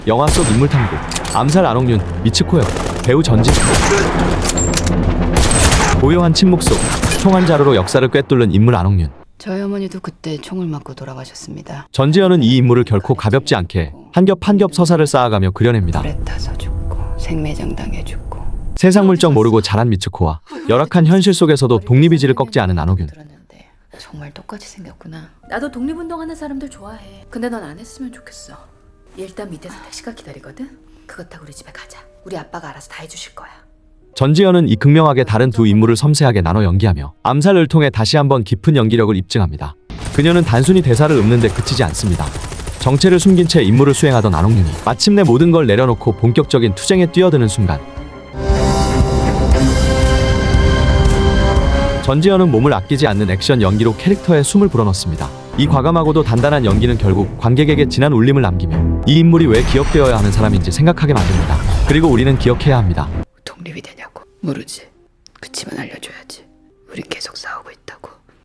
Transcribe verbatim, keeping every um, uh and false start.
영화 속 인물 탐구 암살 안홍윤 미츠코역 배우 전지 고요한 침묵 속 총한 자루로 역사를 꿰뚫는 인물 안홍윤. 저희 어머니도 그때 총을 맞고 돌아가셨습니다. 전지현은 이 인물을 결코 가볍지 않게 한 겹 한 겹 서사를 쌓아가며 그려냅니다. 불에 타서 죽고 생매장 당해 죽고. 세상 물정 모르고 자란 미츠코와 열악한 현실 속에서도 독립의지를 꺾지 않은 안홍윤. 들었는데 정말 똑같이 생겼구나. 나도 독립운동하는 사람들 좋아해. 근데 넌 안 했으면 좋겠어. 일단 밑에서 택시가 기다리거든. 그것 타고 우리 집에 가자. 우리 아빠가 알아서 다 해주실 거야. 전지현은 이 극명하게 다른 두 인물을 섬세하게 나눠 연기하며 암살을 통해 다시 한번 깊은 연기력을 입증합니다. 그녀는 단순히 대사를 읊는 데 그치지 않습니다. 정체를 숨긴 채 임무를 수행하던 안홍윤이 마침내 모든 걸 내려놓고 본격적인 투쟁에 뛰어드는 순간 전지현은 몸을 아끼지 않는 액션 연기로 캐릭터에 숨을 불어넣습니다. 이 과감하고도 단단한 연기는 결국 관객에게 진한 울림을 남기며 이 인물이 왜 기억되어야 하는 사람인지 생각하게 만듭니다. 그리고 우리는 기억해야 합니다. 독립이 되냐고. 모르지. 그치만 알려줘야지. 우린 계속 싸우고 있다고.